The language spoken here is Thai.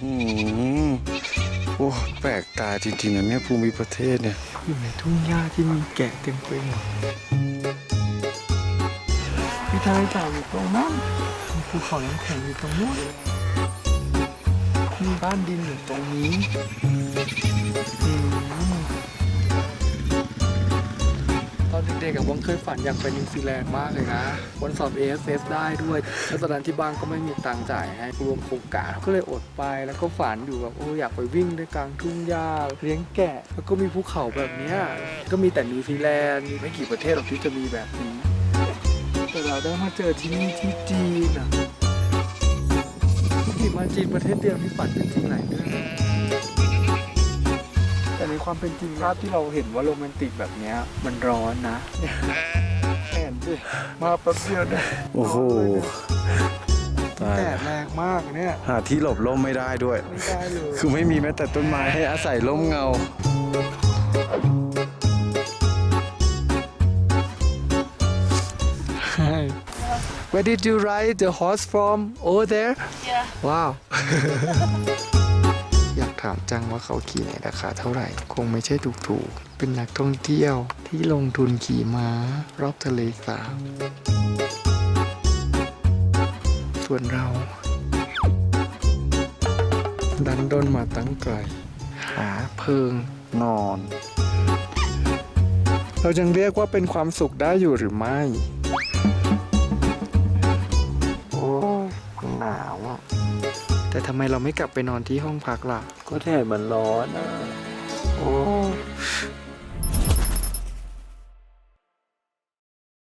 โอ้แปลกตาจริงๆนะเนี่ยภูมิประเทศเนี่ยอยู่ในทุ่งหญ้าที่มีแกะเต็มไปหมดมีทะเลสาบอยู่ตรงนั้นมีภูเขาน้ำแข็งอยู่ตรงนู้นมีบ้านดินอยู่ตรงนี้ตอนเด็กๆกับวังเคยฝันอยากไปนิวซีแลนด์มากเลยนะวันสอบ AFF ได้ด้วยแล้วตอนนั้นที่บ้านก็ไม่มีตังค์จ่ายให้รวมโครงการก็เลยอดไปแล้วก็ฝันอยู่แบบอยากไปวิ่งในกลางทุ่งหญ้าเลี้ยงแกะแล้วก็มีภูเขาแบบเนี้ยก็มีแต่นิวซีแลนด์มีไม่กี่ประเทศหรอกที่จะมีแบบนี้แต่เราได้มาเจอที่นี่ที่จีนอ่ะที่มาจีนประเทศเดียวที่ฝันเป็นจริงหลายเรื่องแต่ในความเป็นจริงภาพที่เราเห็นว่าโรแมนติกแบบเนี้ยมันร้อนนะแอนดิมาแป๊บเดียวเนี่ยโอ้โหตายแดดแรงมากเนี่ยหาที่หลบร่มไม่ได้ด้วยไม่ได้เลยคือไม่มีแม้แต่ต้นไม้ให้อาศัยร่มเงา Where did you ride the horse from? Over there? Yeah. Wow. อยากถามจังว่าเขาขี่ในราคาเท่าไหร่ คงไม่ใช่ถูกๆ เป็นนักท่องเที่ยวที่ลงทุนขี่ม้ารอบทะเลสาบส่วนเรา ดันด้นมาตั้งไกล หาเพิงนอน เรายังเรียกว่าเป็นความสุขได้อยู่หรือไม่ โอ้หนาวอ่ะ แต่ทำไมเราไม่กลับไปนอนที่ห้องพักล่ะ ก็แดดมันร้อนอ่ะ โอ้